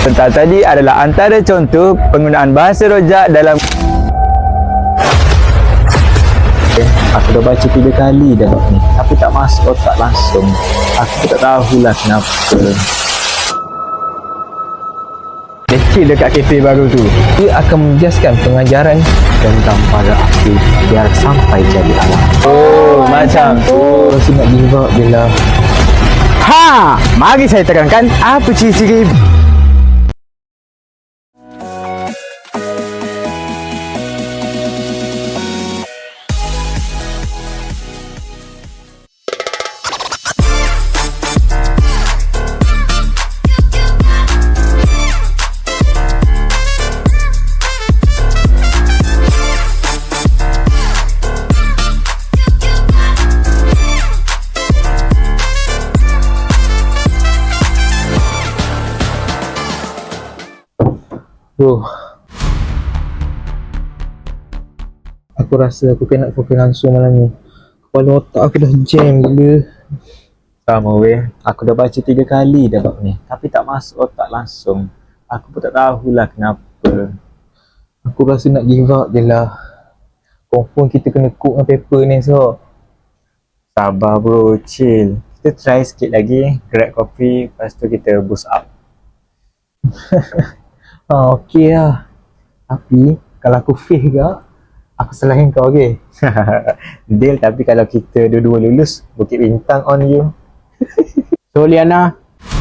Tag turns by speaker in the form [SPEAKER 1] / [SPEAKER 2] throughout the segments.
[SPEAKER 1] Sebentar tadi adalah antara contoh penggunaan bahasa rojak dalam.
[SPEAKER 2] Aku dah baca 3 kali dah bab ni, tapi tak masuk otak langsung. Aku tak tahulah kenapa.
[SPEAKER 1] Kecil dekat kafe baru tu.
[SPEAKER 3] Ia akan menjejaskan pengajaran
[SPEAKER 2] Tentang para api biar sampai jadi alam.
[SPEAKER 1] Oh, macam tu.
[SPEAKER 2] Rasa nak give up je lah.
[SPEAKER 1] Ha! Mari saya terangkan apa ciri-ciri.
[SPEAKER 3] Aku rasa aku kena fokus langsung malam ni. Kepala otak aku dah jam gila.
[SPEAKER 2] Sama weh, aku dah baca 3 kali dah bab ni, tapi tak masuk otak langsung. Aku pun tak tahulah kenapa.
[SPEAKER 3] Aku rasa nak give up je lah. Confirm kita kena cook dengan paper ni esok.
[SPEAKER 2] Sabar bro, chill. Kita try sikit lagi, grab coffee, lepas tu kita boost up.
[SPEAKER 3] Okey lah. Tapi kalau aku fail ke, aku salahin kau, okey?
[SPEAKER 2] Deal, tapi kalau kita dua-dua lulus, Bukit Bintang on you.
[SPEAKER 1] So Liana,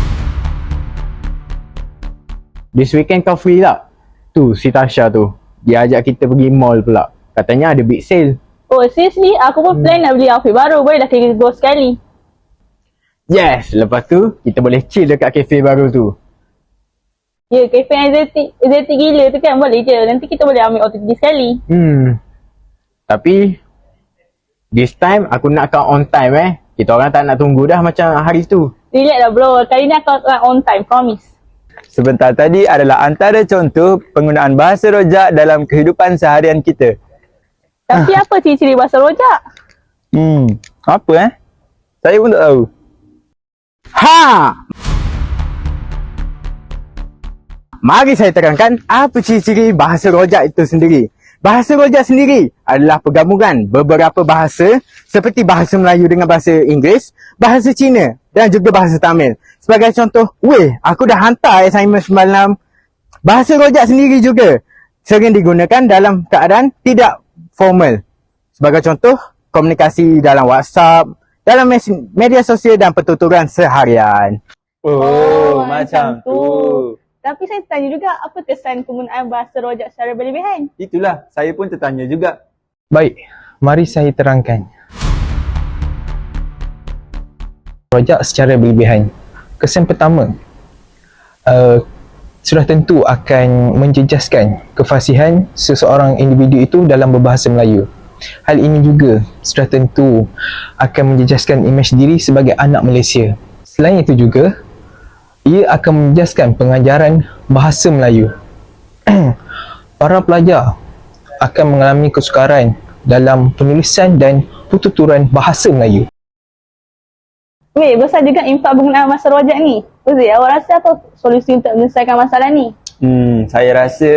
[SPEAKER 1] this weekend kau free tak? Tu si Tasha tu, dia ajak kita pergi mall pula. Katanya ada big sale.
[SPEAKER 4] Oh seriously, aku pun plan nak beli outfit baru. Boleh dah kita go sekali.
[SPEAKER 1] Yes, lepas tu kita boleh chill dekat kafe baru tu.
[SPEAKER 4] Ya, cafe yang exotic gila tu kan, boleh je. Nanti kita boleh ambil OTT sekali.
[SPEAKER 1] Tapi this time aku nak kau on time Kita orang tak nak tunggu dah macam hari tu.
[SPEAKER 4] Relax lah bro, kali ni aku akan on time, promise.
[SPEAKER 1] Sebentar tadi adalah antara contoh penggunaan bahasa rojak dalam kehidupan seharian kita.
[SPEAKER 4] Tapi apa ciri-ciri bahasa rojak?
[SPEAKER 1] Apa Saya pun tak tahu. Ha! Mari saya terangkan apa ciri-ciri bahasa rojak itu sendiri. Bahasa rojak sendiri adalah pergabungan beberapa bahasa seperti bahasa Melayu dengan bahasa Inggeris, bahasa Cina dan juga bahasa Tamil. Sebagai contoh, aku dah hantar assignment semalam. Bahasa rojak sendiri juga sering digunakan dalam keadaan tidak formal. Sebagai contoh, komunikasi dalam WhatsApp, dalam media sosial dan pertuturan seharian.
[SPEAKER 4] Oh, macam tu. Tapi saya tanya juga, apa kesan penggunaan bahasa rojak secara berlebihan?
[SPEAKER 1] Itulah, saya pun tertanya juga.
[SPEAKER 3] Baik, mari saya terangkan. Rojak secara berlebihan. Kesan pertama, sudah tentu akan menjejaskan kefasihan seseorang individu itu dalam berbahasa Melayu. Hal ini juga sudah tentu akan menjejaskan imej diri sebagai anak Malaysia. Selain itu juga, ia akan menjejaskan pengajaran bahasa Melayu. Para pelajar akan mengalami kesukaran dalam penulisan dan pertuturan bahasa Melayu.
[SPEAKER 4] Besar juga impak penggunaan bahasa rojak ni. Uzi, awak rasa apa solusi untuk menyelesaikan masalah ni?
[SPEAKER 1] Saya rasa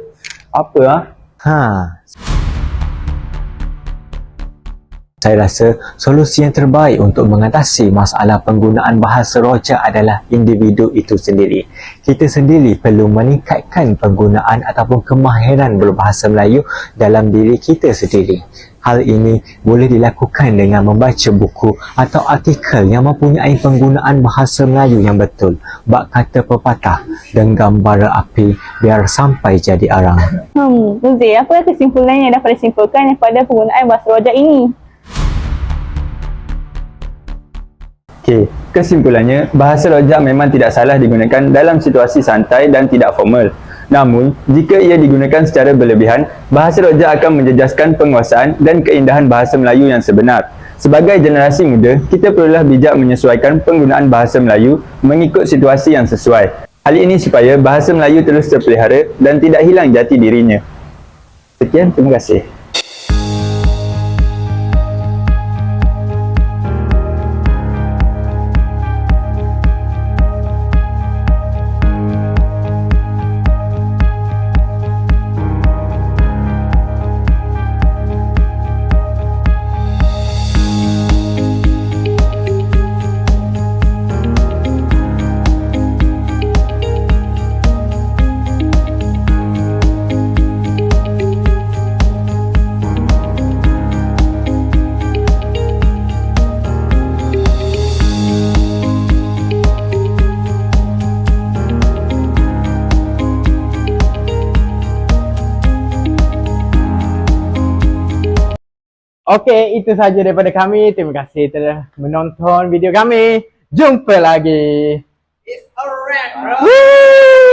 [SPEAKER 2] Saya rasa solusi yang terbaik untuk mengatasi masalah penggunaan bahasa rojak adalah individu itu sendiri. Kita sendiri perlu meningkatkan penggunaan ataupun kemahiran berbahasa Melayu dalam diri kita sendiri. Hal ini boleh dilakukan dengan membaca buku atau artikel yang mempunyai penggunaan bahasa Melayu yang betul. Bak kata pepatah, genggam bara api biar sampai jadi arang.
[SPEAKER 4] Uzi, apa kesimpulannya yang dapat disimpulkan daripada penggunaan bahasa rojak ini?
[SPEAKER 1] Okey, kesimpulannya, bahasa rojak memang tidak salah digunakan dalam situasi santai dan tidak formal. Namun, jika ia digunakan secara berlebihan, bahasa rojak akan menjejaskan penguasaan dan keindahan bahasa Melayu yang sebenar. Sebagai generasi muda, kita perlulah bijak menyesuaikan penggunaan bahasa Melayu mengikut situasi yang sesuai. Hal ini supaya bahasa Melayu terus terpelihara dan tidak hilang jati dirinya. Sekian, terima kasih. Okey, itu sahaja daripada kami. Terima kasih telah menonton video kami. Jumpa lagi.
[SPEAKER 5] It's a wrap, bro.
[SPEAKER 1] Woo!